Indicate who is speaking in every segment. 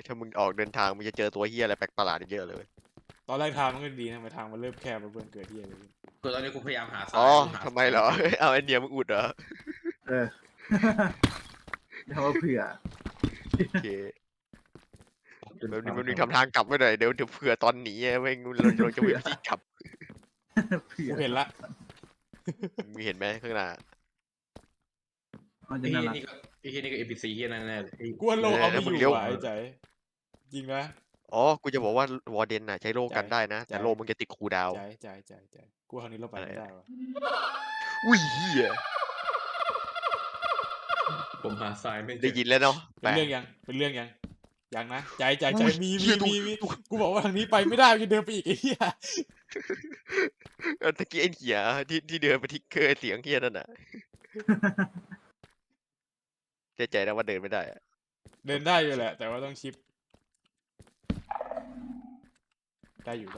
Speaker 1: ถ้ามึงออกเดินทางมึงจะเจอตัวเฮียอะไรแปลกประหลาดเยอะเลย
Speaker 2: ตอนแรกทางมันก็ดีนะไปทางมันเริ่มแคบแล้วเพื่อนเกิดที่อะไรขึ้น
Speaker 3: กูตอนนี้กูพยายามหาท
Speaker 1: อ๋
Speaker 3: รา
Speaker 1: อย
Speaker 3: กูหา
Speaker 1: ทำไม
Speaker 3: ทราย
Speaker 1: เหรอ
Speaker 3: ไม่เจอ
Speaker 1: เอาไอเดียมึงอุดเหรอ
Speaker 4: เออ เดี๋ยวว่าเผื่อ
Speaker 1: โอเคแบบนี้มันมีทำทางกลับไว้หน่อยเดี๋ยวเผื่อตอนหนีอะแม่งเราจะไม่มีที่กลับ
Speaker 4: เผื่อ
Speaker 2: กูเห็นละ
Speaker 1: มึงเห็นไหมข้างหน้า
Speaker 4: มันจะ
Speaker 3: ไอ้
Speaker 4: น่า
Speaker 3: เหี้ย
Speaker 4: รัก
Speaker 3: นี่ก็ NPC เหี้ยนั่นแน่เลยไอ้
Speaker 2: กูว่าโลเอาไม่อยู่ว่ะไอ้ใจจริงนะ
Speaker 1: อ๋อกูจะบอกว่าวอร์เดนน่ะใช้โล่กันได้นะแต่โล่มึงจะติดคูลดาวน์
Speaker 2: ใจกูว่าครั้งนี้เราไปไม่ได้วะ
Speaker 1: อุ้ยเฮีย
Speaker 3: ผมหาทรายไม่เจ
Speaker 1: ได้
Speaker 3: อ
Speaker 1: ยินแล้วเนาะ
Speaker 2: เป็นเรื่องยังยังนะใจมี
Speaker 1: เหี้ย
Speaker 2: กูบอกว่าทางนี้ไปไม่ได้จะเดินไปอีกไอ้เหี้ย
Speaker 1: ตะกี้ไอ้เหี้ยที่เดินไปที่เคยเสียงเฮียนั่นน่ะใจนะว่าเดินไม่ได้อะ
Speaker 2: เดินได้อยู่แหละ แต่ว่าต้องชิปได้อยู่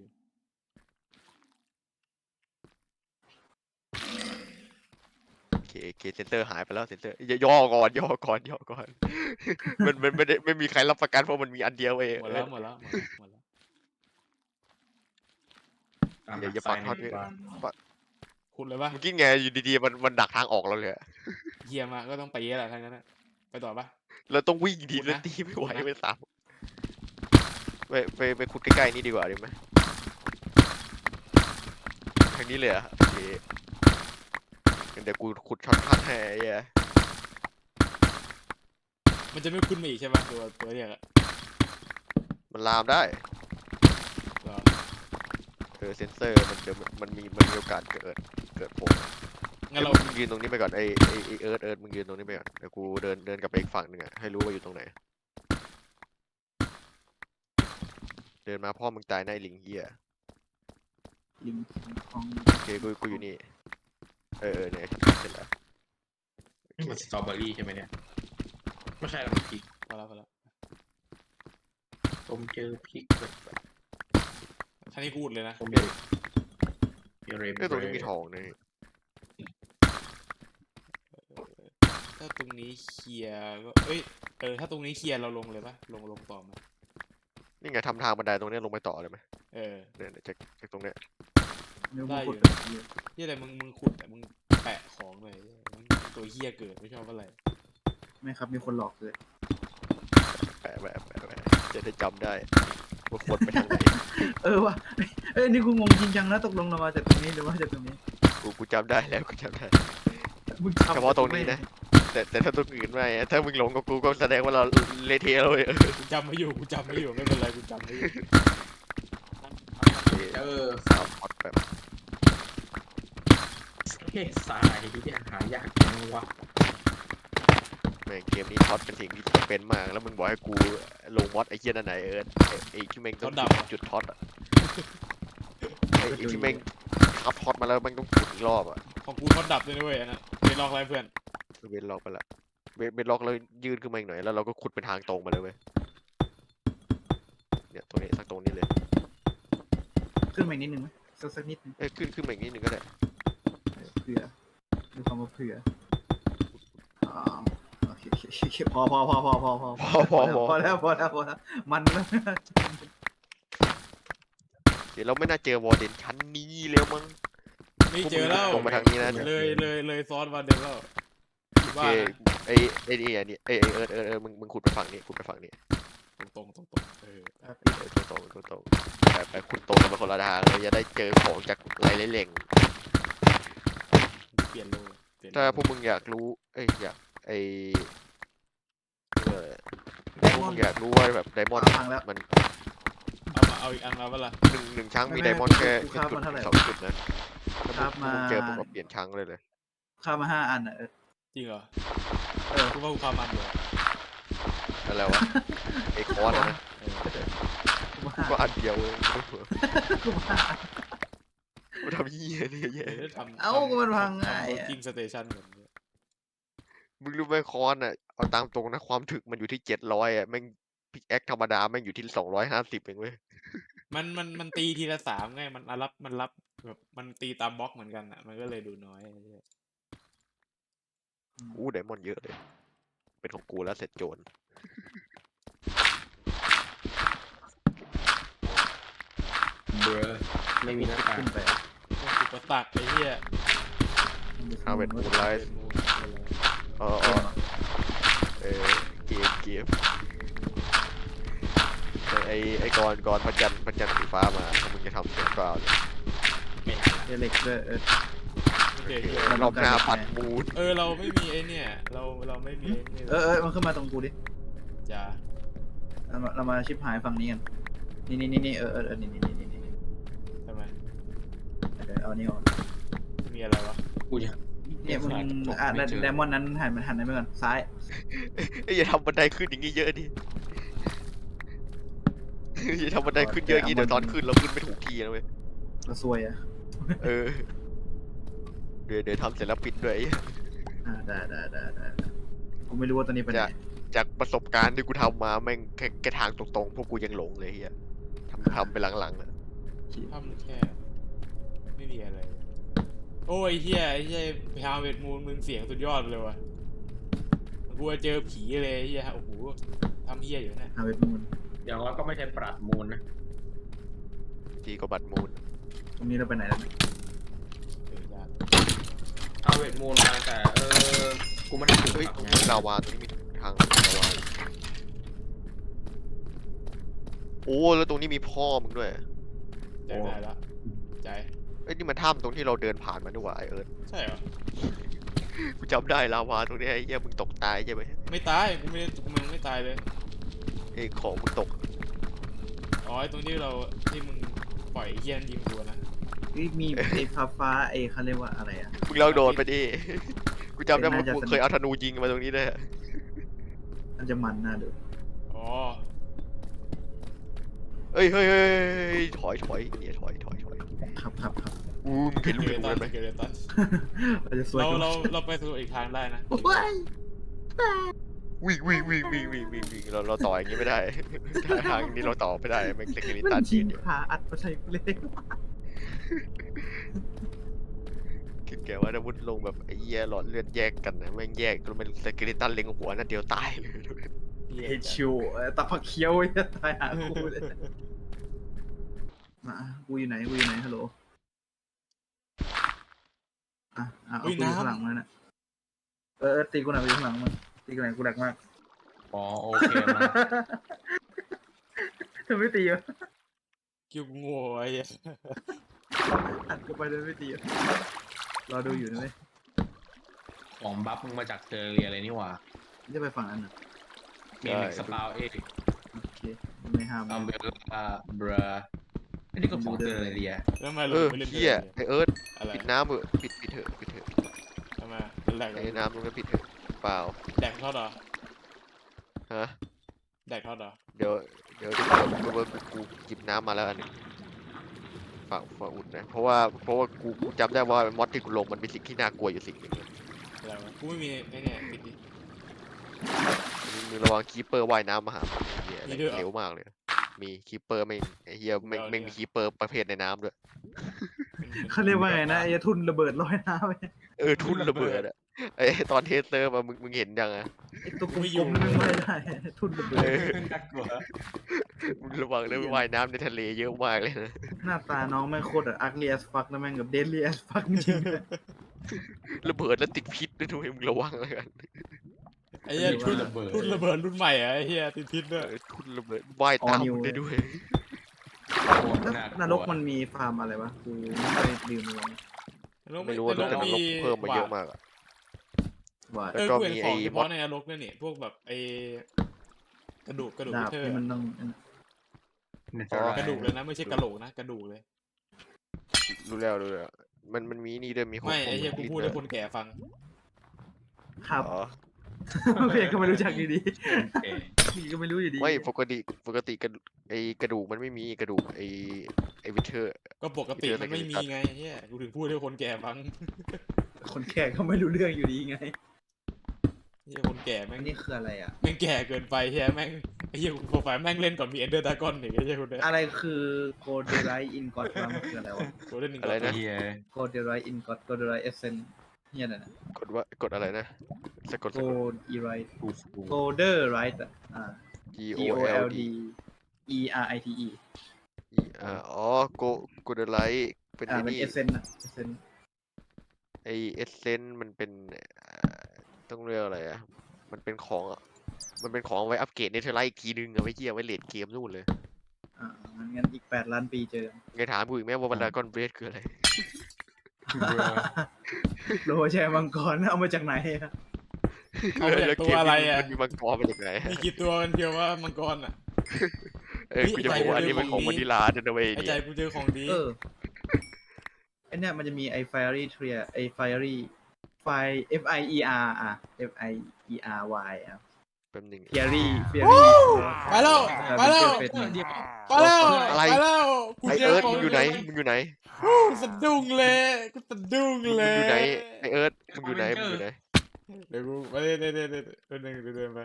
Speaker 1: โอเคเซนเตอร์หายไปแล้วเซนเตอร์ย่อก่อน มันไม่มีใครรับประกันเพราะมันมีอันเดียวเอง
Speaker 2: หมดแล้ว
Speaker 3: ตาม
Speaker 1: อย่า
Speaker 3: หา
Speaker 1: อย่า
Speaker 3: ทราย
Speaker 1: ปัก
Speaker 3: ใน
Speaker 1: ทอด
Speaker 3: หมู่บ้าน
Speaker 2: คุณเลยปะ
Speaker 1: เมื่อกี้ไงอยู่ดีๆมันดักทางออกเราเลยอะ
Speaker 2: เฮียมาก็ต้องไปแหละทางนั้นไปต่อปะ
Speaker 1: เราต้องวิ่งดี
Speaker 2: ขุดนะ
Speaker 1: แล้วตีไม่ไหว
Speaker 2: ขุดนะ
Speaker 1: ไม่สามไปขุดใกล้ๆนี่ดีกว่าดีไหมทางนี้เลยเหรอะโอเคงั้นเดี๋ยวกูขุดช็อตคัทให้ไอ้เหี้ย
Speaker 2: มันจะไม่ขึ้นมาอีกใช่ปะตัวเรียกอะ
Speaker 1: มันลามได้
Speaker 2: เหรอ
Speaker 1: เซนเซอร์มันเดี๋ยวมันมีโอกาสเกิดโผล่
Speaker 2: งั้นเรา
Speaker 1: มึงยืนตรงนี้ไปก่อนไอเอิร์ธมึงยืนตรงนี้ไปก่อนเดี๋ยวกูเดินกลับไปอีกฝั่งหนึ่งอะให้รู้ว่าอยู่ตรงไหน เดินมาพ่อมึงตายในะไอ้ลิงเฮีย
Speaker 4: ลิงของ
Speaker 1: โอเคกูอยู่นี่เนี่ยเสร็จแล้ว
Speaker 3: นี่มันสตรอเบอรี่ใช่ไหมเนี่ยไม่ใช่แล้วมันพริก
Speaker 2: พอแล้ว
Speaker 3: ผมเจอพริกแบบ
Speaker 2: ท่านี้กูอุดเลยนะ
Speaker 3: ผมเจอเรม
Speaker 1: ตรงนี้มีทองนี่
Speaker 2: ถ้าตรงนี้เคลียร์ก็ถ้าตรงนี้เคลียร์เราลงเลยปะลงต่อมา
Speaker 1: นี่ไงทำทางบันไดตรงเนี้ยลงไปต่อเลยไหม
Speaker 2: เออ
Speaker 1: เนี่ยจากตรงเนี้ย
Speaker 4: เนื้อ
Speaker 2: ได้
Speaker 4: บุ
Speaker 2: อยู่
Speaker 4: กเยอะ
Speaker 2: ที่อะไรมึงขุดแต่มึงแปะของเลยมึงตัวเฮียเกิดไม่ชอบอะไร
Speaker 4: ไม่ครับมีคนหลอกเลย
Speaker 1: แปะจะได้จำได้ว่าควรไปทางไหน
Speaker 4: เออว่ะนี่กูงงจริงจังนะตกลงเรามาจากตรงนี้หรือว่าจากตรงนี้
Speaker 1: กูจำได้แล้วกูจำได้
Speaker 4: มึง
Speaker 1: เฉพาะตรงนี้นะ แต่ถ้าตรงอื่นไม่อะถ้ามึงหลงกับกูก็แสดงว่าเราเละเทะเลย
Speaker 2: กูจำไม่อยู่ไม่เป็นไรกูจำไม่อยู่
Speaker 1: สามพอดแบบ
Speaker 3: เฮ้ทรายที่หายากจังวะ
Speaker 1: แม่งเกมนี้ท็อตเป็นสิ่งที่จำเป็นมากแล้วมึงบอกให้กูลงมอดไอ้เหี้ยนั่นไหนไอ้ที่แม่งต้องจุดท็อตอะไอ้ที่แม่งขับท็อตมาแล้วแม่งต้องจุดอีกรอบอะ
Speaker 2: ของกูเขาดับด้วยนะเว้ยอันนั้นเป็นลอกอะไรเพื่อน
Speaker 1: เวนล็อกไปละเวนล็อกแล้วยืนขึ้นมาอีกหน่อยแล้วเราก็ขุดเป็นทางตรงมาเลยเว้ยเนี่ยตรงนี้สักตรงนี้เลย
Speaker 4: ขึ้นมาอีกนิดนึงไหมสักนิดนึง
Speaker 1: ขึ้นมาอีกนิดนึงก็ได้
Speaker 4: เผื่อดูความว่าเผื่อโอเคพอแล้วมันแล้ว
Speaker 1: เดี๋ยวเราไม่น่าเจอวอร์เดนชั้นนี้แล้วมั้ง
Speaker 2: นี่เจอแล้ว
Speaker 1: ลงมาทางนี้นะ
Speaker 2: เลยซ้อนวันเดินแล้ว
Speaker 1: โอ
Speaker 2: ว่า
Speaker 1: เค
Speaker 2: นะ
Speaker 1: ไอ้นี่ไอ้เอิร์ธมึงขุดไปฝั่งนี้ขุดไปฝั่งนี้
Speaker 2: ตรง
Speaker 1: ตรงไปขุดตรงกันมาคนละทางเลยจะได้เจอของจากไรเล่ง
Speaker 2: เปลี่ยนโล
Speaker 1: ถ้าพวกมึงอยากรู้อยากพวกมึงอยากรู้ว่าแบบไดมอนด์มัน
Speaker 2: เอาอีกอันแล้วเปล่า
Speaker 1: หนึ่งช้างมีไดมอนด์แค่จุด2 จุดนะถ้ามึงเจอผมก็เปลี่ยนช้างเลย
Speaker 4: ข้ามา5 อันอ่ะ
Speaker 2: จริงเหรอกูว่ากูความมันอยู่
Speaker 1: อะไรวะไอ้คอร์สนะก็อันเดียวเอง
Speaker 4: กูมา
Speaker 1: กูทำเหี้ยนี่แย่
Speaker 4: มันพังง่าย
Speaker 2: จริงสเตชันเหมือน
Speaker 1: มึงรู้ไหมคอนอ่ะเอาตามตรงนะความถึกมันอยู่ที่700อ่ะแม่งพิกแอคธรรมดาแม่งอยู่ที่250เองเว้ย
Speaker 2: มันตีทีละ3ไงมันรับแบบมันตีตามบล็อกเหมือนกันอ่ะมันก็เลยดูน้อย
Speaker 1: ไดมอนด์เยอะเลยเป็นของกูแล้วเสร็จโจร
Speaker 3: เบอร์ไม่มีหน้าตา
Speaker 4: ขึ้นไป
Speaker 2: อุปสรรคไอ้เหี้ย
Speaker 1: Harvest Moonlight อ๋อเกมไอ้กรพระจันทร์สีฟ้ามาถ้ามึงจะทำเสียงเปล่าเนี่ย
Speaker 3: ไม่ทันละ
Speaker 4: เล็กด้วย
Speaker 2: โอเค
Speaker 1: รอบหน้าปัดมูด
Speaker 2: เราไม่มีไอ้เนี่ยเราไม่มีไอ้นี่
Speaker 4: มันขึ้นมาตรงกูดิ
Speaker 2: จ้า
Speaker 4: เรามาชิปหายฝั่งนี้กันนี่นี่นี่นี่
Speaker 2: ทำไม
Speaker 4: เอานี่ออก
Speaker 2: มีอะไรวะ
Speaker 3: กูจะ
Speaker 4: เนี่ยมึงไดมอนด์นั้นหันนั้นไปก่อนซ้าย
Speaker 1: อย่าทำบันไดขึ้นอย่างงี้เยอะดิอย่าทำบันไดขึ้นเยอะอย่างงี้เดี๋ยวตอนขึ้นเราขึ้นไม่ถูกที่นะเว้ย
Speaker 4: เราซวยอ่ะ
Speaker 1: เออเดี๋ยวทำเสร็จแล้วปิดด้วย
Speaker 4: ได้กูไม่รู้ว่าตอนนี้เป็นไง
Speaker 1: จากประสบการณ์ที่กูทำมาแม่งแค่ทางตรงๆพวกกูยังหลงเลยเฮียทำไปหลังๆอะ
Speaker 2: ทำแค่ไม่มีอะไรโอ้ยเฮียไอ้เฮียไปหาเวทมูลมึงเสียงสุดยอดเลยว่ะกูเจอผีเลยเฮียโอ้โหทำเฮียอยู่เนี่ย
Speaker 4: ฮาเวทมูน
Speaker 3: อย่างน้อยก็ไม่ใช่ปราดมูลนะ
Speaker 1: ดีกว่าบัตรมูล
Speaker 4: ตรงนี้เราไปไหนแล้ว
Speaker 2: ยาก
Speaker 3: เอาเวทมูลมาแต่กูไม่ได้ปลูก
Speaker 1: เฮ้ย
Speaker 3: ผัก
Speaker 1: ตรง
Speaker 3: ไง
Speaker 1: นี้ลาวาตรงนี้มีทางลาวาโอ้แล้วตรงนี้มีพ่อมึงด้วย
Speaker 2: ใจได้ละใจ
Speaker 1: เอ้ยนี่มันถ้ำตรงที่เราเดินผ่านมาด้วยว่ะไอเอิร์ธ
Speaker 2: ใช่เหรอ
Speaker 1: กูจำได้ลาวาตรงนี้ไอ้เหี้ยมึงตกตายใช่ไหม
Speaker 2: ไม่ตายกูมึงไม่ตายเลย
Speaker 1: ไอ้ของมึงตก
Speaker 2: อ๋อไอ้ตรงที่ที่มึงปล่อยไอ้เฮียนยิงกูนะ
Speaker 4: มีไอ้ฟ้าไอ้เขาเรียกว่าอะไรอ่ะ
Speaker 1: มึงลองโดดไปดิ กูจำได้ว่า
Speaker 4: น่าจะ
Speaker 1: กูเคยเอาธนูยิงมาตรงนี้ด้วย
Speaker 4: มันจะมันน่าดู
Speaker 2: อ๋อ
Speaker 1: เฮ้ยถอยเนี่ยถอย
Speaker 4: ครับ
Speaker 1: อู้มึงเห็นลูก
Speaker 2: เก
Speaker 1: ธ
Speaker 2: เร
Speaker 1: นู
Speaker 2: ตั
Speaker 1: นั้น นไหม
Speaker 2: เกเรตัน
Speaker 4: เราจะสวย
Speaker 2: เราไปสู่อีกทางได้นะ
Speaker 4: โอ้ย
Speaker 1: วิ่งเราต่ออย่างนี้ไม่ได้ ทางนี้เราต่อไม่ได้แม่งเซคิลิ
Speaker 4: มั
Speaker 1: ตัน
Speaker 4: นชิ
Speaker 1: ยื
Speaker 4: ง
Speaker 1: นอยู่
Speaker 4: ขาอัดมาใส่กูเลย
Speaker 1: คิดแกว่าถ้ามุดลงแบบไอ้เหี้ยหลอดเลือดแยกกันนะแม่งแยกจนเป็นเซคิลิตันเล็งหัวนั่นเดียวตายเลย
Speaker 4: เฮชิวตาผักเคี้ยวจะตายหากูเลยมากูอยู่ไหนฮัลโหลเอากูอยู่ข้างหลังมันนะตีกูหน่อยกูอยู่ข้างหลังมันตีกูหน่อยกูดักมาก
Speaker 3: อ๋อโอเคมา
Speaker 4: เธอไม่ตีวะ
Speaker 2: คิวโง่ไอ้เหี้ย
Speaker 4: อัดกูไปเลยไม่ตีวะรอดูอยู่นะเว้ย
Speaker 3: ของบัฟมึงมาจากเทอร์เรียอะไรนี่หว่า
Speaker 4: จะไปฝั่งนั้นนะ
Speaker 3: เมนสปาวเอ
Speaker 4: โอเคไม่ห้าม
Speaker 3: อัมเบลบราอันนี้ก็ของเทอร์เรีย
Speaker 2: แล้วทำไม
Speaker 1: เอ
Speaker 2: เรา
Speaker 1: อ
Speaker 2: ไม่เล่น
Speaker 1: เหี้ยไอเอิร์ธ
Speaker 2: อะไร
Speaker 1: ปิดน้ำเถอะปิดเถอะ
Speaker 2: ทำไมเป็นแหลก
Speaker 1: ไอ้น้ำตรงนั้นปิดเถอะเปล่า
Speaker 2: แดกทอดเหรอ
Speaker 1: ฮะ
Speaker 2: แดกทอดเหรอ
Speaker 1: เดี๋ยวกูจิบน้ำมาแล้วอันหนึงฝากอุ่นนะเพราะว่ากูจำได้ว่ามอสที่กูลงมันเป็นสิ่งที่น่ากลัวอยู่สิ่งหนึ่ง
Speaker 2: อะไรวะกูไม่มีไอ้เนี่ยปิดดิ
Speaker 1: มึงระวังคีเปอร์ว่ายน้ำมาหาเฮีย
Speaker 2: มีด้วยเหรอ
Speaker 1: เร็วมากเลย มีคีเปอร์ไม่ไอ้เฮียไม่มีคีเปอร์ประเภทในน้ำด้วย
Speaker 4: เขาเรียกว่าไงนะไอ้ทุนระเบิดลอยน้ำไป
Speaker 1: ทุ่นระเบิดอะไอ้ตอนเทสเตอร์มามึงเห็นยังอะ
Speaker 4: ไอ้ตัวกลมๆนั่นไม่ได้ทุนระเบิด
Speaker 3: น่ากลัว
Speaker 1: มึงระวังเรื่องว่ายน้ำในทะเลเยอะมากเลยนะ
Speaker 4: หน้าตาน้องแม่งโคตรอักเลียสฟักนะแม่งกับเดลี่แอสฟักจริง
Speaker 1: ระเบิดแล้วติดพิษด้วยด้วยมึงระวังแล้วกัน
Speaker 2: ไอ้เหี้ย
Speaker 3: ทุ่นระเบิด
Speaker 2: รุ่นระเบิดรุ่นใหม่อะไอ้เหี้ยติดพิษด้วย
Speaker 1: ทุ่นระเบิดว่ายตามมึงได้ด้วย
Speaker 4: นรกมันมีฟาร์มอะไรวะกูไม่เคยลืมเลย
Speaker 1: ไม่รู้ว่าแต่นรกเพิ่มมาเยอะมากอะ
Speaker 4: ว่า
Speaker 1: แล้วก็
Speaker 2: กูเห็น
Speaker 1: มี
Speaker 2: ข
Speaker 1: ไอ้
Speaker 2: องเฉ
Speaker 1: มอ
Speaker 2: พาะ
Speaker 1: ส
Speaker 2: ในนรกเนี่ยนี่พวกแบบไอ้กระดูก
Speaker 4: ดาบ
Speaker 2: เธอ
Speaker 4: ที่มันต้อง
Speaker 2: กระดูกเลยนะไม่ใช่กระโหลกนะกระดูกเลย
Speaker 1: รู้แล้วมันมีนี่ด้วยมีของ
Speaker 2: ไม่ไอ้เหี้ยกูพูดให้คนแก่ฟัง
Speaker 4: ครับ
Speaker 1: อ๋อ
Speaker 4: เพียงก็ไม่รู้จักดี
Speaker 3: โอเค
Speaker 4: ๆพี่ก็ไม่รู้อยู่ดี
Speaker 1: ไม่ปกติกระดูกมันไม่มีกระดูกไอ้วิเทอร์
Speaker 2: ก็ปกติมันไม่มีไงเฮียกูถึงพูดให้คนแก่ฟัง
Speaker 4: คนแก่ก็ไม่รู้เรื่องอยู่ดีไง
Speaker 2: เฮียคนแก่แม่
Speaker 4: อั
Speaker 2: ง
Speaker 4: นนี้คืออะไรอ่ะ
Speaker 2: แม่งแก่เกินไปเฮียแม่งไอ้เฮียโปรไฟล์แม่งเล่นก่อนมีเอนเดอร์ดากอนอีกไอ้เฮียคนเนี้ย
Speaker 4: อะไรคือโกลเดไรอินกอดมันคืออะไรวะ
Speaker 2: กูเล่นหนึ่ง
Speaker 1: อะไรนะ
Speaker 3: เฮีย
Speaker 4: โกลเดไรอินกอดโกลเดไรเอเซนเฮียน่ะ
Speaker 1: กดอะไรนะสะกด
Speaker 4: โกลดีไร
Speaker 3: กูกู
Speaker 4: โกลเดอร์ไรต์อ่ะ
Speaker 1: G
Speaker 4: G
Speaker 1: O
Speaker 4: O
Speaker 1: L
Speaker 4: L
Speaker 1: D
Speaker 4: D E R I T E
Speaker 1: อ๋อโกเดไลท์เป็นไอ้
Speaker 4: เป็น
Speaker 1: นี่
Speaker 4: เอเซนอะเอเซน
Speaker 1: ไอเอเซนมันเป็นต้องเรียกอะไรอ่ะมันเป็นของมันเป็นของไว้อัปเกรดเนเธอร์ไลท์อีกทีนึงเอาไว้เหี้ยไว้เลดเกมนู่นเลย
Speaker 4: งั้นอีก8 ล้านปีเจอกัน
Speaker 1: ไงถามกูอีกไหมว่าบรรดากอนเบรดคืออะไร
Speaker 4: โลแชร์มังกรเอามาจากไหนอะ
Speaker 2: เอามาจากตัวอะไรอะ
Speaker 1: มันมีมังกรมาจากไหน
Speaker 2: มีกี่ตัวกันเดียวว่ามังกรอ่ะ
Speaker 1: กูจะบอกว่าอันนี้เป็นของวานิลาจะนะเว้ย
Speaker 2: ไอ้
Speaker 1: เนี่
Speaker 2: ใจ
Speaker 1: ย
Speaker 2: กูเจอของดี
Speaker 4: ไอเนี่ยมันจะมีไอ Fiery Trier ไอ Fiery Fire Fiery อ่ะ
Speaker 1: แป๊บหนึง
Speaker 4: Fiery
Speaker 2: ไปแล้วไปแล้ว
Speaker 4: เป็น
Speaker 3: เดี๋ยว
Speaker 2: ไปแล้ว
Speaker 1: อะไร
Speaker 2: ไปแล้วกู
Speaker 1: ไอ
Speaker 2: เจอ
Speaker 1: เอิร์ธ
Speaker 2: ของ
Speaker 1: มึงอยู่ไหนมึงอยู่ไหน
Speaker 2: กูสะดุ้งเลยกูสะดุ้ง
Speaker 1: มึง
Speaker 2: เล
Speaker 1: อย ยู่ไหนไอเอิร์ธมึงอยู่ไหนมึงอยู่ไหน
Speaker 2: เดี๋ยวกูไปเดี๋ยวเดินไป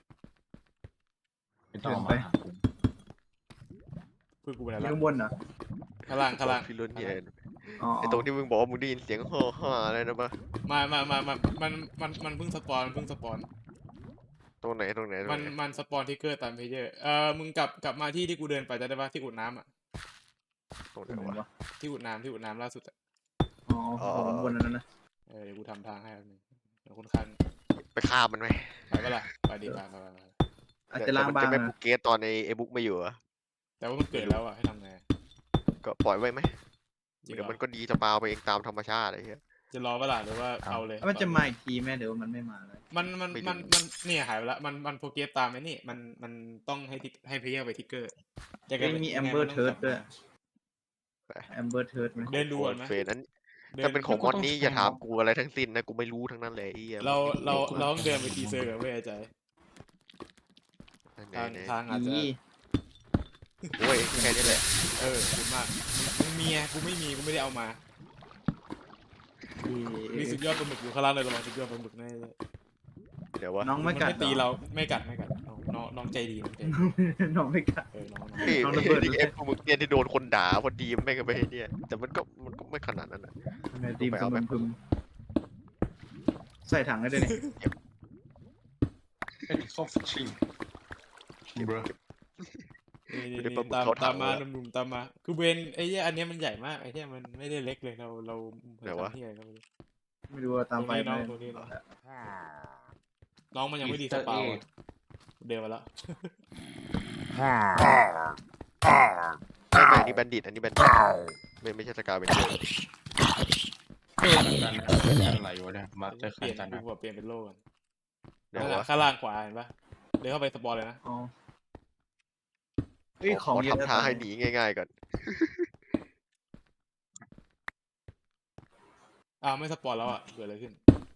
Speaker 3: ไม่ต้องมาหาผม
Speaker 2: เพื่อนกูไปไหน
Speaker 4: อยู่
Speaker 2: ละ
Speaker 4: ข้างบนเหรอ
Speaker 2: ข้างล่าง
Speaker 1: พี่รุ่นเนี่ย
Speaker 4: อ๋อ
Speaker 1: ไอตรงที่มึงบอกว่ามึงได้ยินเสียงฮ่อฮ่าอะไรนะปะ
Speaker 2: มันเพิ่งสปอน
Speaker 1: ตรงไหนตรงไหนตรง
Speaker 2: มัน
Speaker 1: ไหน
Speaker 2: มันสปอนทิกเกอร์ตามเพจเยอร์มึงกลับมาที่กูเดินไปจะได้ปะที่อุดน้ำอ่ะ
Speaker 1: ตรงไหน
Speaker 4: ตรงไหน
Speaker 1: วะ
Speaker 4: วะ
Speaker 2: ที่อุดน้ำล่าสุดอะ
Speaker 4: อ๋อข้างบนนั้นนะ
Speaker 2: เดี๋ยวกูทำทางให้แป๊บนึงเดี๋ยวคนข้าง
Speaker 1: ไปฆ่ามันไหม
Speaker 2: ไปปะล่ะไปดีไป
Speaker 4: อาจจะล้าง
Speaker 1: แต่มัน
Speaker 4: บา
Speaker 1: จะ
Speaker 4: ง
Speaker 1: ไม่
Speaker 4: นะ
Speaker 1: บุกเกตตอนไอบุ๊กไม่อยู่เหรอะ
Speaker 2: แต่ว่ามันเกิดแล้วอ่ะให้ทำไง
Speaker 1: ก็ปล่อยไว้ไหม
Speaker 2: จริง
Speaker 1: เดี๋ยว
Speaker 2: เหร
Speaker 1: มั
Speaker 2: อน
Speaker 1: ก็ดีสปาวไปเองตามธรรมชาติอะไรเงี้ย
Speaker 2: จะรอปะล่ะหรือว่าเอาเลย
Speaker 4: มันจะมาอีกทีแม่เดี๋ยวมันไม่มาเลย
Speaker 2: มันเนี่ยหายไปละมันโปรเกรสตามไอ้นี่มันต้องให้เพลเยอร์ไปทิกเกอร์
Speaker 4: มีแอมเบอร์เทิร์ดด้วยแอมเบอร์เทิร์ดไหม
Speaker 2: เดินดูก่อนไหม
Speaker 1: เฟนนั้นถ้าเป็นของมอนนี้อย่าถามกูอะไรทั้งสิ้นนะกูไม่รู้ทั้งนั้นเลยไอ้เหี้ย
Speaker 2: เราต้องเดินไปทีเซอร์กับเว้ยใจ
Speaker 1: ไหนไหน
Speaker 2: ทางอาจจะ
Speaker 4: อี
Speaker 1: โอ้ยแค่นี้แหละ
Speaker 2: ดีมากมึงมีไงกูไม่มีกูไม่ได้เอามา มีสุดยอดปลาหมึกอยู่ข้างล่างเลยระวังสุดยอดปลาหมึกแน่
Speaker 1: เดี๋ยววะ
Speaker 4: น้องไม่กัด
Speaker 2: นตีเราไม่กัดน้องใจดีน้องใจดี
Speaker 4: น้องไม่กัด
Speaker 2: น้อง
Speaker 1: นี่
Speaker 4: น้องระเบิด
Speaker 1: นี่เอฟมึงเนี่ยที่โดนคนด่าพอดีไม่ก็ไปเนี่ยแต่มันก็ไม่ขนาดนั้นนะ
Speaker 4: ในทีมสมุนพึมใส่ถังได้ด้วยนี่
Speaker 3: เป็นซอฟต์ชิงบร
Speaker 2: นี่ตามมาหนุ่มๆตามมาคือเบนไอ้เหี้ยอันเนี้ยมันใหญ่มากไอ้เหี้ยมันไม่ได้เล็กเลยเราทำเหี้ยก็ไม่รู้
Speaker 4: ไม่รู้ว่าตามไปไหม
Speaker 2: ตรงนี้น้องมันยังไม่ดีสปาวเดินมาแล้ว
Speaker 1: ไม่นี่แบนดิตอันนี้แบนดิตไม่ใช่สกาเป็น
Speaker 3: กันอะไรวะเนี่ยมาเจอ
Speaker 2: เปลี่ยน
Speaker 3: กัน
Speaker 2: กู
Speaker 3: นะ
Speaker 2: บอกเปลี่ยนเป็นโล่กัน
Speaker 1: เดี๋ยววะ
Speaker 2: ข้างล่างขวาเห็นปะเดินเข้าไปสปอนเลยนะ
Speaker 4: อ๋อเฮ้ยของเยอะ
Speaker 1: ทำท่าให้หนีง่ายๆก่อน
Speaker 2: ไม่สปอนแล้วอ่ะเกิดอะไรขึ้น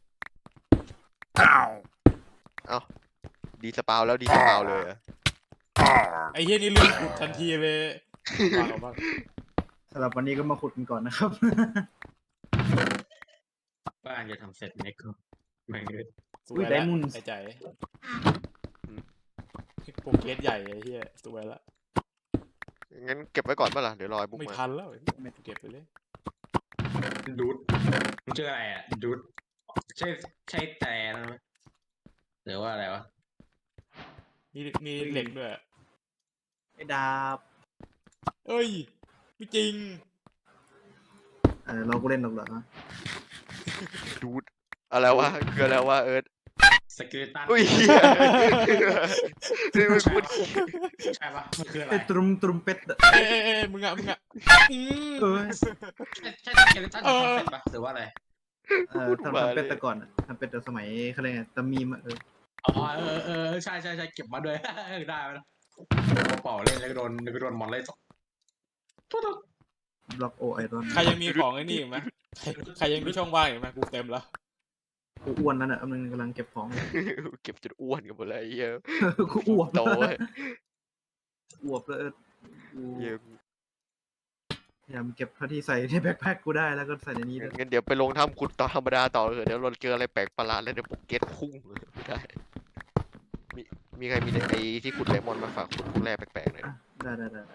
Speaker 1: ดีสปาวแล้วดีสปาวเลยอะ
Speaker 2: ไอ้เหี้ยนี่ลืมขุดทันทีเลยวางออกบ้าง
Speaker 4: สำหรับวันนี้ก็มาขุดกันก่อนนะครับ
Speaker 3: บ้านจะทำเสร็จไหมก็ไม่เลย
Speaker 2: สวยแล้วไอ้ใจโปรเกรสใหญ่ไอ้เหี้ยสวยละ
Speaker 1: งั้นเก็บไว้ก่อนเมื่อไหร่เดี๋ยวรอไอ้บุ๊ก
Speaker 2: ไม่
Speaker 1: มา
Speaker 2: ทันแล้วไม่เก็บไปเลย
Speaker 3: ดูดมันชื่ออะไรอ่ะดูดใช่แต่นะหรือว่าอะไรวะ
Speaker 2: มีเหล็กด้วย
Speaker 4: ไอ้ดาบ
Speaker 2: เอ้ยไม่จริง
Speaker 4: เราก็เล่นหรอกเหรอ
Speaker 1: ดูดอะไรวะคืออะไรวะเอิร์ธ
Speaker 3: สกิลตัน
Speaker 1: อุ้ยเหี้ยนี่มันพูด
Speaker 3: ใช่ปะมันคืออะไร
Speaker 4: ไอ้ตรุมเป็ดอะ
Speaker 2: เอ้ยมึงอ่ะ
Speaker 4: เออ
Speaker 3: ใช่สกิลตันทำเสร็จปะหรือว่าอะไร
Speaker 4: ทำเป็ดแต่ก่อนอะทำเป็ดแต่สมัยเขาเรียกไงตะมีมอะ
Speaker 3: อ๋อใช่เก็บมาด้วยได้ไหมนะเป่าเล่นแล้วก็โดนมอนเล่นทุบ
Speaker 4: บล็อกโอไอรอน
Speaker 2: ใครยังมีของไอ้นี่อีกไหมใครยังมีช่องว่างอีกไหมกูเต็มแล้ว
Speaker 4: กูอ้วนแล้วน่ะกำลังเก็บของ
Speaker 1: เก็บจนอ้วนกันหมดเลยไอ้เหี้ย
Speaker 4: กูอ้วก
Speaker 1: โตเว้ย
Speaker 4: อ้วกแล้วกู
Speaker 1: เหี้ย
Speaker 4: พยายามเก็บเท่าที่ใส่ในแบ็คแพ็คกูได้แล้วก็ใส่ในนี้ด้วย
Speaker 1: งั้นเดี๋ยวไปลงถ้ำขุดต่อธรรมดาต่อเถอะเดี๋ยวเราเจออะไรแปลกประหลาดแล้วเดี๋ยวโปเกตพุ่งไม่ได้มีใครมีไอ้ที่ขุดไดมอนด์มาฝากขุดแร่แปลกๆหน่อย
Speaker 4: อ่ะได้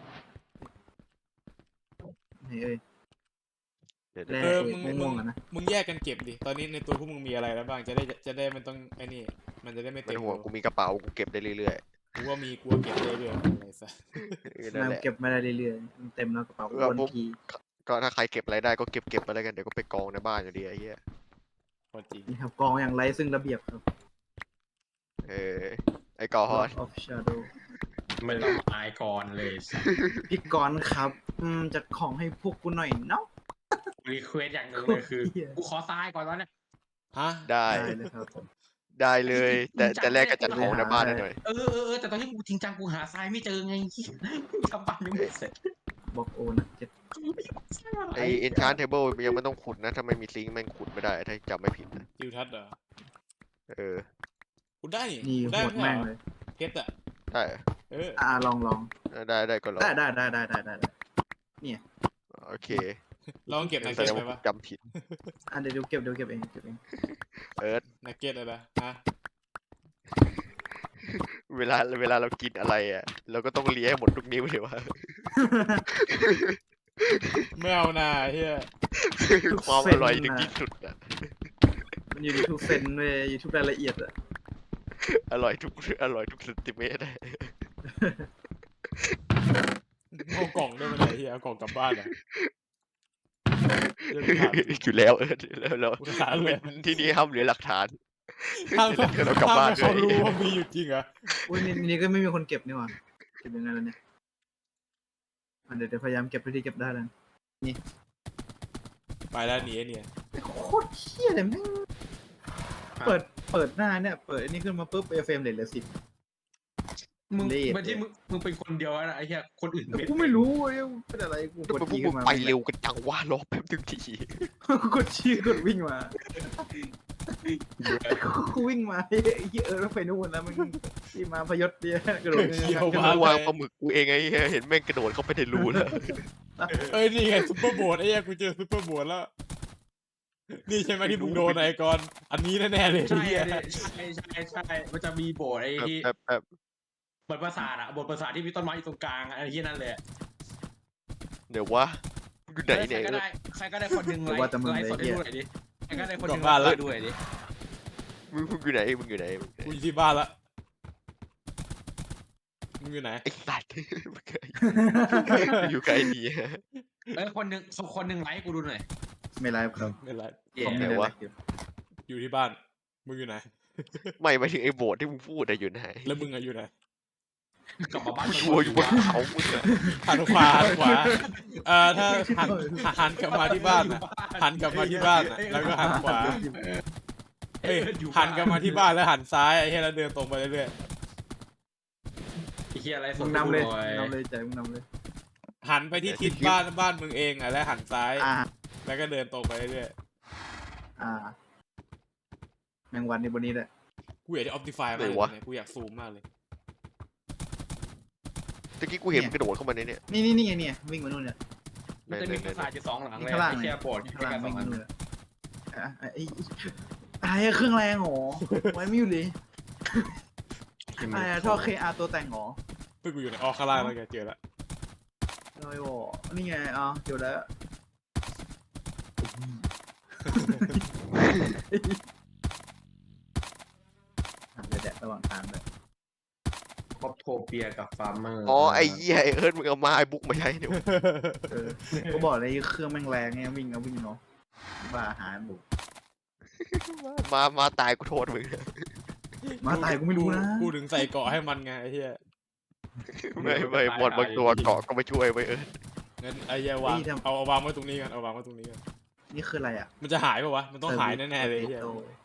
Speaker 4: นี่เอ้ย
Speaker 1: เดี๋ยว
Speaker 4: แร่ ม่วงๆอะนะ
Speaker 2: มึงแยกกันเก็บดิตอนนี้ในตัวพวกมึงมีอะไรแล้วบ้างจะได้มันต้องไอ้นี่มันจะได้ไม่
Speaker 1: ไม่
Speaker 2: เต็ม
Speaker 1: ต้องห่วงกูมีกระเป๋ากูเก็บได้เรื่อย
Speaker 2: กูว่ามีกูเก็บเรื่อยๆอะไรสัส
Speaker 1: นั่น
Speaker 4: นาย
Speaker 1: แหละ
Speaker 4: เก็บมาได้เรื่อยๆมันเต็มแล้วกระเป๋า
Speaker 1: เออ
Speaker 4: วน
Speaker 1: ผม
Speaker 4: ที
Speaker 1: ก็ถ้าใครเก็บอะไรได้ก็เก็บไปแล้วกันเดี๋ยวก็ไปกองในบ้านอยู่ดีไอ้เหี้ย
Speaker 2: พอจริง
Speaker 4: นี่ครับกองอย่างไรซึ่งระเบียบครับ
Speaker 1: เออไอ้กอฮอน
Speaker 4: Lord of Shadow
Speaker 3: ไม่ต้องมาอายก่อนเลย
Speaker 4: พี่กรณ์ครับจัดของให้พวกกูหน่อยเนาะ
Speaker 3: รีเควสอย่างหนึ่งเลยคือ
Speaker 4: เหี้ย
Speaker 3: กูขอทรายก่อนตอนเนี้ย
Speaker 2: ฮะ
Speaker 1: ได้
Speaker 4: ได้เลยครับผม
Speaker 1: ได้เลย แต่แรกก็จัดของในบ้านหน่อย
Speaker 3: แต่ตอนที่กูจริงจังกูหาทรายไม่เจอไงทำบ้านยังไม่เสร็จ
Speaker 4: บอกโอนะเจ็ด
Speaker 1: ไอเอนชานเทเบิลยังไม่ต้องขุดนะถ้าไม่มีซิงค์แม่งขุดไม่ได้ถ้าจำไม่ผิดนะ
Speaker 2: ทิวทัศน์เหรอ
Speaker 1: เออ
Speaker 2: กูได้
Speaker 4: นี่
Speaker 2: กู
Speaker 4: โห
Speaker 2: ได้
Speaker 4: ด
Speaker 2: ไม่
Speaker 4: แม่ง
Speaker 2: ใช่เหร
Speaker 4: เล
Speaker 2: อย เพชรอ่ะ
Speaker 1: ได้
Speaker 2: เออ
Speaker 4: ลอง
Speaker 1: ได้ก็รอ
Speaker 4: ได้
Speaker 1: โอเค
Speaker 2: ลองเก็บนัก
Speaker 1: แส
Speaker 2: เก็ต
Speaker 1: ดง
Speaker 2: ไป
Speaker 1: ว่า
Speaker 2: ปะ
Speaker 1: จำผิด
Speaker 4: เดี๋ยวเก็บเอง
Speaker 1: เอิร์ธ
Speaker 2: นักเก็ตอะไรนะฮะ
Speaker 1: เวลาเรากินอะไรอ่ะเราก็ต้องเลี้ยให้หมดทุกนิ้วเลยวะ
Speaker 2: ไม่เอานาเฮีย
Speaker 1: ความอร่อยถึงที่สุดอ่ะ
Speaker 4: มันอยู่ในทุกเซนเว้ยอยู่ทุกรายละเอียดอะ
Speaker 1: อร่อยทุกเซนติเมตร
Speaker 2: เอากล่องได้ไหมเนี่ยเฮียเอากล่องกลับบ้านอ่ะเดี๋ยวกูถาม
Speaker 1: อยู่แล้วแล้ว
Speaker 2: กูถามเลย
Speaker 1: ที่นี่ห้ามเหลือหลักฐาน
Speaker 2: ห้าม
Speaker 1: เดี๋ยวเรากลับบ้าน
Speaker 2: ให้เขา
Speaker 1: ด้วย
Speaker 2: รู้ว่ามีอยู่จริงเหรอ
Speaker 4: อุ้ยนี่ก็ไม่มีคนเก็บนี่หว่าเก็บยังไงล่ะเนี่ยเดี๋ยวพยายามเก็บเท่าที่เก็บได้แล้ว
Speaker 2: ไปแล้วหนีไอ้เนี่ย
Speaker 4: โคตรเที่ยเลยแม่งเปิดหน้าเนี่ยเปิดอันนี้ขึ้นมาปุ๊บเฟรมเหลือ10
Speaker 3: มึง
Speaker 4: เละ
Speaker 3: เป็นที่มึงเป็นคนเดียวนะไอ้เหี้ยคนอื่น
Speaker 4: กูไม่รู้เว้ยเป็นอะไรกู
Speaker 1: แล้ว
Speaker 4: กด
Speaker 1: มันพว
Speaker 4: จี
Speaker 1: ก
Speaker 4: ขึ้
Speaker 1: มึ
Speaker 4: น
Speaker 1: ง
Speaker 4: มา
Speaker 1: ไปเร็วกันจังว่ารอแป๊บนึงที
Speaker 4: กูกดชี้กดวิ่งมากูวิ่งมาไอ้เหี้ยแล้วไปนู่นแล้วมันที่มาพยศเดียวกระโดด
Speaker 2: เที่ยว
Speaker 1: กู
Speaker 2: มาว
Speaker 1: างปลาหมึกกูเองไอ้เหี้ยเห็นแม่งกระโดดเข้าไปในรูแล้ว
Speaker 2: เอ้ยนี่ไงซุปเปอร์โบว์ดไอ้เหี้ยกูเจอซุปเปอร์โบว์ดแล้ว นี่ใช่ไหมที่มึงโดนไอ้กอนอันนี้แน่ๆเลย
Speaker 3: ใช่
Speaker 2: เหี้ย
Speaker 3: ใช่มันจะมีโบสถ์ไอ้ที่
Speaker 1: แบบ
Speaker 3: บทประสาทอะบทประสาทที่มีต้นไม้อยู่ตรงกลางไอ้ที่นั่นเลย
Speaker 1: เดี๋ยววะอยู่ไหนเนี่ย
Speaker 3: ใครก็ได้คนหนึ่งไลฟ์สดให้ดูหน่อยดิใครก็ได้คนหนึ่งไลฟ์ดูหน่อยดิ
Speaker 1: มึงอยู่ไหนมึงอยู่ไหน
Speaker 2: กูอยู่ที่บ้านละมึงอยู่ไหน
Speaker 1: ไอ้สัตว์อยู่ไกลดี
Speaker 3: คนหนึ่งไลฟ์กูดูหน่อย
Speaker 4: ไม่ไลฟ์ครับ
Speaker 2: ไม่เป็นไร
Speaker 4: ผมไม่ได้ไลฟ์อยู่
Speaker 2: อยู่ที่บ้านมึงอยู่ไหน
Speaker 1: ไม่ไปถึงไอ้โบสถ์ที่มึงพูดอะอยู่ไหน
Speaker 2: แล้วมึงอะอยู่ไหน
Speaker 3: กลับมาบ้าน
Speaker 1: กูชัวร์อยู่บนเขามึงอะ
Speaker 2: หันขวาถ้าหันกลับมาที่บ้านนะหันกลับมาที่บ้านนะแล้วก็หันขวาเอ้ยหันกลับมาที่บ้านแล้วหันซ้ายไอ้เหี้ยแล้วเดินตรงไปเรื่อย
Speaker 3: ไอ้เหี้ยอะไรส
Speaker 4: มึ
Speaker 3: ด
Speaker 4: งนำเลยใจมึงนำเลย
Speaker 2: ๆหันไปที่ทิศบ้านมึงเองอ่ะแล้วหันซ้าย
Speaker 4: อ่า
Speaker 2: แล้วก็เดินตรงไปเรื่อย
Speaker 4: แมงวันในบนนี้แหละ
Speaker 2: ๆกูอยากจะออปติฟายมากเลยเนี่ยกูอยากซูมมากเลย
Speaker 1: ตะกี้กูเห็นมันกระโดดเข้ามาในเนี่ย
Speaker 4: นี่ไงเนี่ยวิ่งมานู่นเนี่ย
Speaker 3: มันจะมีปราสาทอยู่2 หลังเลย
Speaker 4: ข้างล่าง
Speaker 3: ไอ้เหี้ยโบสถ์
Speaker 4: ข้าง
Speaker 3: แค่
Speaker 4: ล่าง
Speaker 3: สอ
Speaker 4: วิ่
Speaker 3: ง
Speaker 4: ง
Speaker 3: อั
Speaker 4: มาน นู่นเลยไอ้เครื่องแรงหรอไว้ไม่อยู่เลยไอ้ท่อ KR ตัวแต่งหรอ
Speaker 2: เพื่อกูอยู่ในข้างล่างแล้วแกเจอละ
Speaker 4: ลอยบ่นี่ไงเดี๋ยวแล้วเดี๋ยวแดดระหว่างทางเลย
Speaker 3: ครอบโทเปียกับฟาร์มเมอร์
Speaker 1: อ๋อไอ้เหี้ยไอ้เอิร์ธมึงเอามาไอ้บุ๊กมาใช้เนี่ย
Speaker 4: ก็บอกเลยเครื่องแม่งแรงไงวิ่งเนาะบ้าอาหารบุก
Speaker 1: มาตายกูโทษมึง
Speaker 4: มาตายกูไม่รู้นะ
Speaker 2: กูถึงใส่เกาะให้มันไงไอ้เหี้ย
Speaker 1: ไม่หมดบางตัวเกาะก็ไม่ช่วยไว้เอิร์ธ
Speaker 2: งั้นไอ้เหี้ยวางเอาวางไว้ตรงนี้กันเอาวางไว้ตรงนี้กัน
Speaker 4: นี่คืออะไรอ่ะ
Speaker 2: มันจะหายป่าวะมันต้องหายแน่ๆเลยไอ้เหี้ย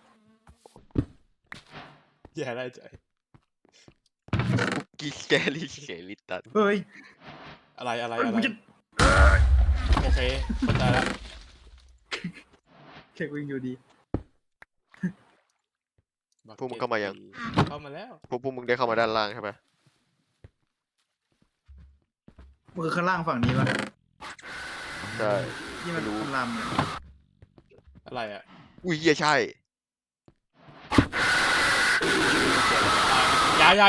Speaker 2: แย่ได้ใจ
Speaker 1: กีแกลี่เฉลิตัน
Speaker 4: เฮ้ย
Speaker 2: อะไรโอเคเข้าใจแล้ว
Speaker 4: เช็ควิ่งอยู่ดี
Speaker 1: พวกมึงเข้ามายัง
Speaker 2: เข้ามาแล้ว
Speaker 1: พวกมึงได้เข้ามาด้านล่างใช่ปะ
Speaker 4: มือข้างล่างฝั่งนี้ป่ะ
Speaker 1: ใช่
Speaker 4: ที่มันคำรามเนี่ย
Speaker 2: อะไรอ่ะ
Speaker 1: อุ้ยเหี้ยใช่
Speaker 2: อย่า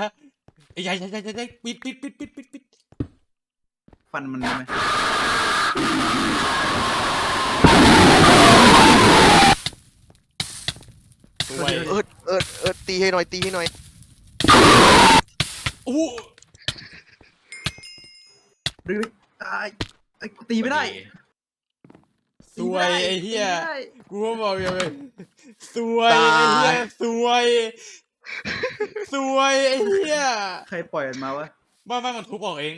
Speaker 2: ปิด
Speaker 4: ฟันมันได้ไหม
Speaker 2: สวย
Speaker 1: เอิร์ธตีให้หน่อย
Speaker 2: อู้
Speaker 4: หรือไอ้กูตีไม่ได้
Speaker 2: สวยไอ้เหี้ย
Speaker 4: ตีไม่ได้
Speaker 2: กูก็บอกอย่างเลยสวยไอ้เหี้ยสวยสวยไอ้เหี้ย
Speaker 4: ใครปล่อยมันมาวะ
Speaker 2: บ้านมันทุบออกเอง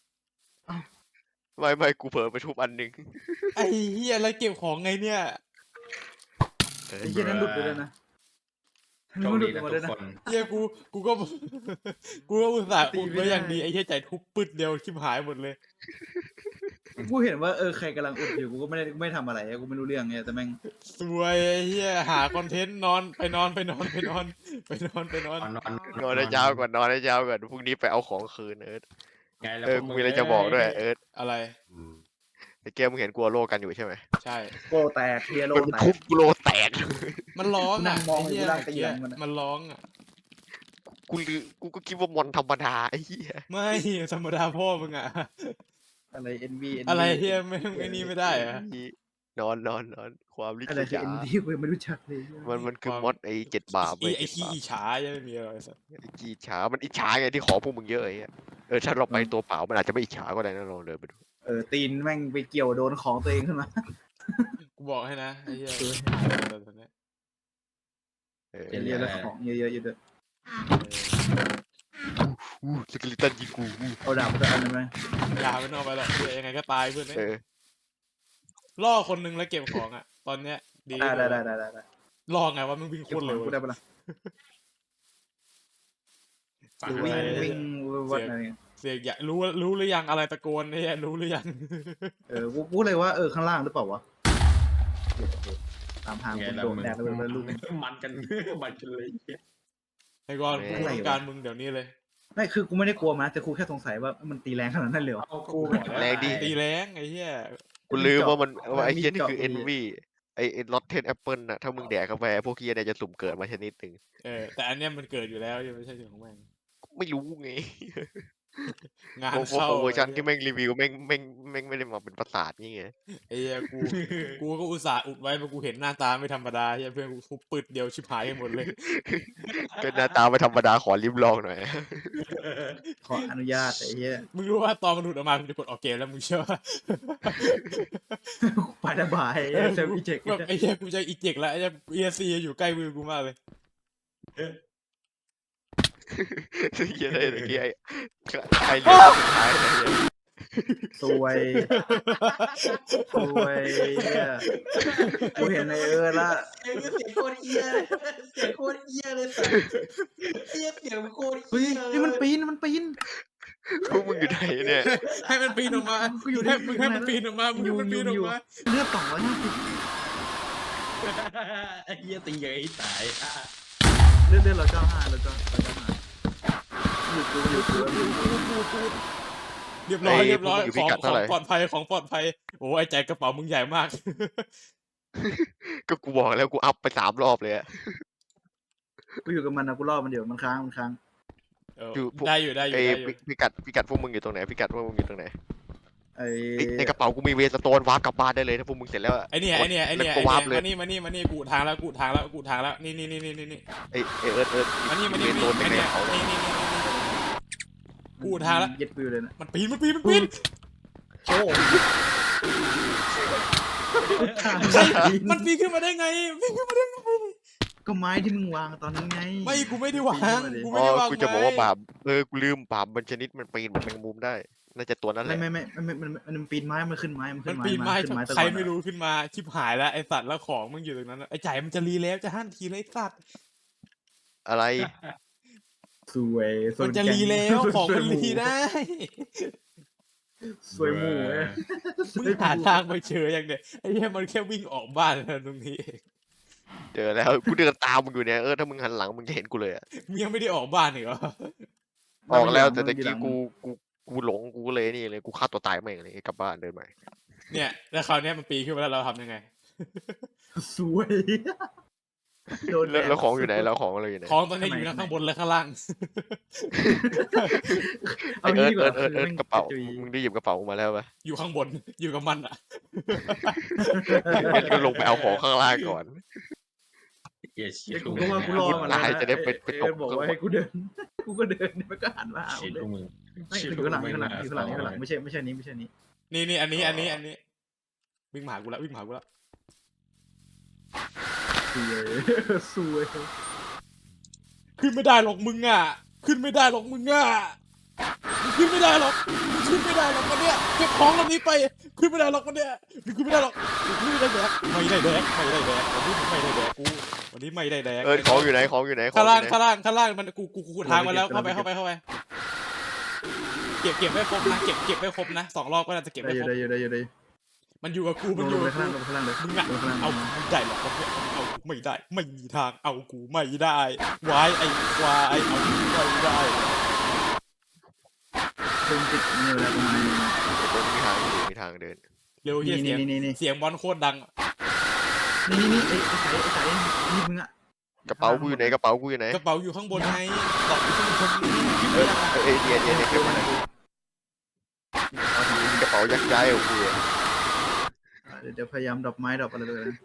Speaker 1: ไม่กูเผลอไปทุบอันหนึ่ง
Speaker 2: ไอ้เหี้ยแล้วเก็บของไงเนี่ย
Speaker 1: เออ
Speaker 4: ไอ้เหี้ยนั้นหลุดไปเลยนะ
Speaker 3: โชค
Speaker 4: มันหลุ
Speaker 3: ดี
Speaker 4: ด
Speaker 3: นะ
Speaker 4: มา
Speaker 3: ทุ
Speaker 4: ด้วย
Speaker 3: ก
Speaker 4: นะ
Speaker 3: คน
Speaker 2: เหี้ยกูก็ กูก็อุตส่าห์อุดไว้อย่างดีไอ้เหี้ยใจทุบปึดเดียวชิบหายหมดเลย
Speaker 4: กูเห็นว่าใครกำลังอุดอยู่กูก็ไม่ทำอะไรกูไม่รู้เรื่องไงแต่แม่ง
Speaker 2: สวยไอ้เหี้ยหาคอนเทนต์นอนไปนอน
Speaker 3: นอน
Speaker 1: นอนให้เช้าก่อนนอนให้เช้าก่อนพรุ่งนี้ไปเอาของคืนเอิร์ธ
Speaker 3: ไงแล้ว
Speaker 1: กูมีอะไรจะบอกด้วยเอิร์ธ
Speaker 2: อะไร
Speaker 1: ไอ้เกมมึงเห็นกูเอาโลกันอยู่ใช่ไหม
Speaker 2: ใช่
Speaker 4: โกแตกเคลียร์โล
Speaker 1: มัน
Speaker 4: แต
Speaker 1: ทุ
Speaker 4: ก
Speaker 1: บกูโลแตก
Speaker 2: มันร้อง
Speaker 4: นั่
Speaker 2: อ่ะ
Speaker 4: งมอง
Speaker 2: ไอ้เหี้ย
Speaker 4: อยู่ล่าง
Speaker 2: เมื่อ
Speaker 4: ตี
Speaker 2: กี้
Speaker 4: หลังมันอะ
Speaker 2: มันร้องอ่ะ
Speaker 1: กูก็คิดว่ามอนธรรมดาไอ้เหี้ย
Speaker 2: ไม่ธรรมดาพ่อมึงอ่ะ
Speaker 4: อะไร NV
Speaker 2: อะไรเฮียไม่นี่ไม่ได้อะ
Speaker 1: นอนความลิ
Speaker 4: อะไร
Speaker 1: ขิ
Speaker 4: คือ
Speaker 1: ตา
Speaker 4: NV กูยังไม่รู้จักเลย
Speaker 1: มันคือมอดไอ้7 บาป
Speaker 2: ไอ้ขี้อิจฉายังไม่มีอะไรสัก
Speaker 1: ไอ้ขี้อิจฉามันอิจฉาไงที่ขอพวกมึงเยอะไอ้เหี้ยถ้าเราไปตัวเปล่ามันอาจจะไม่อิจฉาก็ได้นะลองเดินไปดู
Speaker 4: ตีนแม่งไปเกี่ยวโดนของตัวเองขึ้นมา
Speaker 2: กูบอกให้นะไอ้เหี้ย
Speaker 4: สวย
Speaker 2: ตอนเนี้ย
Speaker 4: เยอะๆแล้วของเยอะๆอยู่ด้วย
Speaker 1: สกิลิตันยิงกู
Speaker 4: เอาดาบมาตัวอันนึงไหม
Speaker 2: อย่าไปนอกไปหรอกเหี้ยยังไงก็ตายเพื่อนเนี่ย
Speaker 1: เออ
Speaker 2: ล่อคนนึงแล้วเก็บของอ่ะ ตอนเนี้ยดี
Speaker 4: ได้
Speaker 2: ล่อไงว่ามึงวิ่งโค
Speaker 4: เก็บ
Speaker 2: ตร
Speaker 4: ขอ
Speaker 2: เร็
Speaker 4: ง
Speaker 2: ว
Speaker 4: กูได้ปะล่ะ
Speaker 3: ฝั่ง
Speaker 4: วิ่ง
Speaker 3: นี้
Speaker 4: วิ่งวัดอะไรเงี้ย
Speaker 2: เสียงอยากรู้หรือยังอะไรตะโกนเนี่ยรู้หรือยัง
Speaker 4: กูเลยว่าข้างล่างหรือเปล่าวะตามทาง
Speaker 3: ไง
Speaker 4: กู
Speaker 3: แล้ว
Speaker 4: โดน
Speaker 3: มึง
Speaker 4: แดดแล้วเป็นลูก
Speaker 3: มันกันมันกันเลย
Speaker 2: ไอ้กอนกู
Speaker 4: อะไรวะ
Speaker 2: ต้องการมึงเดี๋ยวนี้เลย
Speaker 4: ไม่คือกูไม่ได้กลัวมันนะแต่กูแค่สงสัยว่ามันตีแรงขนาดนั้นเลยเหรอ
Speaker 3: เอากูบอกแล้ว
Speaker 1: แรงดิ
Speaker 2: ตีแรงไอ้เหี้ย
Speaker 1: กูลืมว่ามันว่าไอ้เหี้ย
Speaker 4: มี
Speaker 1: นี่
Speaker 4: เจาะ
Speaker 1: คือ
Speaker 4: พอดี
Speaker 1: envy ไอ้ลอตเทนแอปเปิลน่ะถ้ามึงแดกเข้าไปพวกเหี้ยเนี่ยจะสุ่มเกิดมาชนิดหนึ่ง
Speaker 2: แต่อันเนี้ยมันเกิดอยู่แล้วยังไม่ใช่สิ่งของแม่ง
Speaker 1: ไม่รู้ไง
Speaker 2: งาน
Speaker 1: โอ้โห
Speaker 2: เข้า
Speaker 1: เวอร์ชันที่แม่งรีวิวแม่งไม่ได้มาเป็นประสาทนี่ไง
Speaker 2: ไอ้เหี้ยกูก็อุตส่าห์อุดไว้เพราะกูเห็นหน้าตาไม่ธรรมดาเหี้ยเพื่อนกูทุบปึดเดียวชิบหายกันหมดเลย
Speaker 1: ก็หน้าตาไม่ธรรมดาขอลิ้มลองหน่อย
Speaker 4: ขออนุญาตไอ้เหี้ย
Speaker 2: มึงรู้ว่าตอนมันหลุดออกมามึงจะกดออกเกมแล้วมึงเชื่อว่า
Speaker 4: ไประบายเซลฟี่เจ็ก
Speaker 2: แบบไอ้เหี้ยกูจะอีเจกแล้วไอ้เหี้ยเอซีอยู่ใกล้มือกูมากเลย
Speaker 1: เหี้ยได้ตะกี้ไอ้เรื่องสุดท้ายไอ้เหี้ย
Speaker 4: สวยเนี่ยกูเห็นในละ
Speaker 3: เสียงโคตรเอี้ยเสียงโคตรเอี้ยเลยสัสเสียงโคตร
Speaker 4: เฮ้ย
Speaker 3: เอี้ย
Speaker 4: นี่มันปีน
Speaker 1: พวกมึงอยู่ไหนเนี่ย
Speaker 2: ให้มันปีนออกมา
Speaker 4: กูอยู่
Speaker 2: มึงให้มันปีนออกมามึงให้มันปีนออกมา
Speaker 4: เลือด250
Speaker 3: ไอ้เหี้ยตีอย่างไอ้ตาย
Speaker 4: เลือดเรา95เรา95อยู่กู
Speaker 2: เรียบร้อย
Speaker 1: ไอ้
Speaker 2: เรียบร้อย
Speaker 1: พวกมึงอยู่
Speaker 2: ข
Speaker 1: พิ
Speaker 2: อง
Speaker 1: กัด
Speaker 2: ข
Speaker 1: เท่า
Speaker 2: อง
Speaker 1: ไหร่
Speaker 2: ปลอดภัยของปลอดภัยโอ้ไอ้ใจกระเป๋ามึงใหญ่มาก
Speaker 1: ก็กูบอกแล้วกูอัพไป3 รอบเลยอะ
Speaker 4: กูอยู่กับมันนะกูรอมันเดี๋ยวมันค้าง
Speaker 1: อยู่พวก
Speaker 2: ได้อยู่ได้อยู่
Speaker 1: ไอ้
Speaker 2: ได้อยู่
Speaker 1: พิกัดพวกมึงอยู่ตรงไหนพิกัดพวกมึงอยู่ตรงไหน
Speaker 4: ไอ้
Speaker 1: ในกระเป๋ากูมีเวสโตนวาร์ปกลับบ้านได้เลยถ้าพวกมึงเสร็จแล้วอะ
Speaker 2: ไอ้เนี่ย
Speaker 1: แล้วก็วาร์ปเลย
Speaker 2: มานี่กูทางแล้วนี่
Speaker 1: ไอ้เอิร์ธ
Speaker 2: มานี่
Speaker 1: เวสโตนในกระเป๋าเลย
Speaker 2: นี่กูทางแล้ว
Speaker 4: เย็ดวิวเลยนะ
Speaker 2: มันปีน
Speaker 4: โอ้
Speaker 2: มันปีนขึ้นมาได้ไง
Speaker 4: ก็ไม้ที่มึงวางตอนนั้นไง
Speaker 2: ไม่กูไม่ได้วางกู
Speaker 1: อ๋
Speaker 2: ไม่
Speaker 1: อ
Speaker 2: ได้วาง
Speaker 1: กูจะบอกว่า
Speaker 2: ไม้
Speaker 1: บาปกูลืมบาปมันชนิดมันปีนเหมือนแมงมุมได้ น่าจะตัวนั้นแหละ
Speaker 4: มันปีนไม้มันขึ้นไม้มัน
Speaker 2: มั
Speaker 4: ขึ้
Speaker 2: น
Speaker 4: นไม้
Speaker 2: ปีนไม้
Speaker 4: ขึ้นไม้ตลอด
Speaker 2: ใครไม่รู้ขึ้นมาชิบหายแล้วไอสัตว์แล้วของมึงอยู่ตรงนั้นไอใจมันจะรีแล้วจะหั่นทีเลยไอ้สัตว์
Speaker 1: อะไร
Speaker 4: สวย
Speaker 2: มันจะรีแล้วของมันรีได้
Speaker 4: สวยหมูเว้ย
Speaker 2: มึงหาทางไปเจออย่างเดียวไอ้เหี้ยมันแค่วิ่งออกบ้านแล้วตรงนี้เอง
Speaker 1: เจอแล้วกูเดินตามมึงอยู่เนี่ยถ้ามึงหันหลังมึงจะเห็นกูเลยอะ
Speaker 2: มึงยังไม่ได้ออกบ้านอีกเหรอ
Speaker 1: ออกแล้วแต่ตะกี้กูหลงกูเลยนี่เลยกูฆ่าตัวตายแม่งเลยกลับบ้านเดินใหม่
Speaker 2: เนี่ยแล้วคราวเนี้ยมันปีนขึ้นมาแล้วเราทำยังไง
Speaker 4: สวยโดน
Speaker 1: แล้วของอยู่ไหนแล้วของอะไรอยู่ไหน
Speaker 2: ของตอนนี้อยู่ทั้งข้างบนและข้างล่าง
Speaker 1: ไอเอิร์ธกระเป๋ามึงได้หยิบกระเป๋ามาแล้วปะ
Speaker 2: อยู่ข้างบนอยู่กับมันอ่ะ
Speaker 1: งั้นก็ลงไปเอาของข้างล่างก่อน
Speaker 3: เหี้ยชี
Speaker 4: ไอ้
Speaker 3: ทู
Speaker 4: กูก็ว่ากูรอมาแล้ว
Speaker 1: ตายจะได้ไป
Speaker 4: ไอ้
Speaker 1: ตก
Speaker 4: บอกว่าให้กูเดิน กูก็เดินมันก็หันมาหา
Speaker 3: ชี
Speaker 4: กูเล
Speaker 3: ทู
Speaker 4: ย
Speaker 3: มึง
Speaker 4: ไม่อยู่ข้างหลังอยู่ข้างหลังอยู่ข้างหลังอยู่ข้างหลังไม่ใช่นี้ไม่ใช่นี้
Speaker 2: นี่อันนี้วิ่งมาหากูแล้ววิ่งมาหากูแล้ว
Speaker 4: สวย
Speaker 2: ขึ้นไม่ได้หรอกมึงอ่ะขึ้นไม่ได้หรอกมึงอ่ะมึงขึ้นไม่ได้หรอกมึงขึ้นไม่ได้หรอกวันเนี้ยเก็บของลำนี้ไปขึ้นไม่ได้หรอกวันเนี้ยมึงขึ้นไม่ได้หรอกมึงขึ้นไม่ได้แดกไม่ได้แดกวันนี้ไม่ได้แดกกูวันนี้ไม่ได้แดก
Speaker 1: ของอยู่ไหนของอยู่ไหนของ
Speaker 2: ข้าง
Speaker 1: อ
Speaker 2: ล่าง
Speaker 1: ยู่ไหน
Speaker 2: ข้างล่างข้างล่างมันกูทางมาแล้วเข้าไปเก็บไม่ครบนะเก็บไม่ครบนะ2 รอบก็น่าจะเก็บ
Speaker 4: ได้
Speaker 2: ไม่
Speaker 4: อ
Speaker 2: ค
Speaker 4: ยู่
Speaker 2: รบ
Speaker 4: ได้อยู่
Speaker 2: มันอยู่กับกู
Speaker 4: ล
Speaker 2: มัน
Speaker 4: ง
Speaker 2: อยู่
Speaker 4: ไป
Speaker 2: กับ
Speaker 4: ข้าง
Speaker 2: กู
Speaker 4: ล่างลงข้างล่างเลย
Speaker 2: มึงอะ
Speaker 4: ลงข้างล่าง
Speaker 2: เอาไม่ได้หรอกเอากูไม่ได้ไม่มีทางเอากูไม่ได้วายไอ้วายเอากูไม่ได้
Speaker 4: ดึงติดนี่เวลาประมาณ
Speaker 1: มีทางอยู่มีทางเดิน
Speaker 2: เร็วเฮียเสียง
Speaker 4: นี่
Speaker 2: เสียงบอลโคตรดัง
Speaker 4: นี่ไอ้สายนี่มึงอะ
Speaker 1: กระเป๋ากูอยู่ไหนกระเป๋ากูอยู่ไหน
Speaker 2: กระเป๋าอยู่ข้างบนไงตอกอยู่ข้างบน
Speaker 1: เดียเก็บมาหน่อยมีกระเป๋ายักย้ายของกู
Speaker 4: เดี๋ยวพยายามดรอปไม้ดรอปอะไรเลย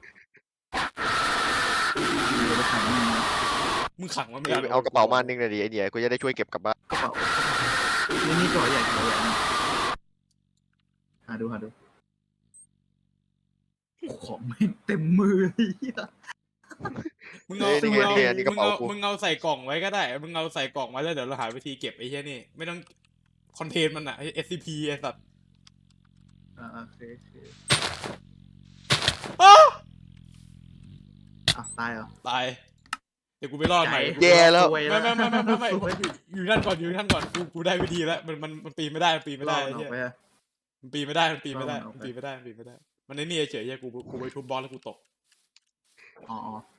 Speaker 4: เดี๋ยวไปขังมัน
Speaker 2: มึงขังมันไม่ได้
Speaker 1: เอากระเป๋ามานึงเลยดิไอเดียกูจะได้ช่วยเก็บกลับบ้าน
Speaker 4: กระเป๋านี่ก่อใหญ่หาดูของไม่เต็มมือเลย
Speaker 2: มึงเอาใส่กล่องไว้ก็ได้มึงเอาใส่กล่องไว้แล้วเดี๋ยวเราหาวิธีเก็บไอ้เหี้ยนี่ไม่ต้องคอนเทนมันอะ SCP ไอ้สัตว์
Speaker 4: โอเคตายเหรอ
Speaker 2: ตายเดี๋ยวกูไปรอดใหม่
Speaker 1: แย่แล้ว
Speaker 2: ไม่อยู่นั่นก่อนกูได้วิธีแล้วมันปีนไม่ได้มันปีนไม่ได้ไอ้เหี้ยมันปีนไม่ได้มันในนี่เฉยๆกูไปทุบบอลแล้วกูตก
Speaker 4: อ๋อ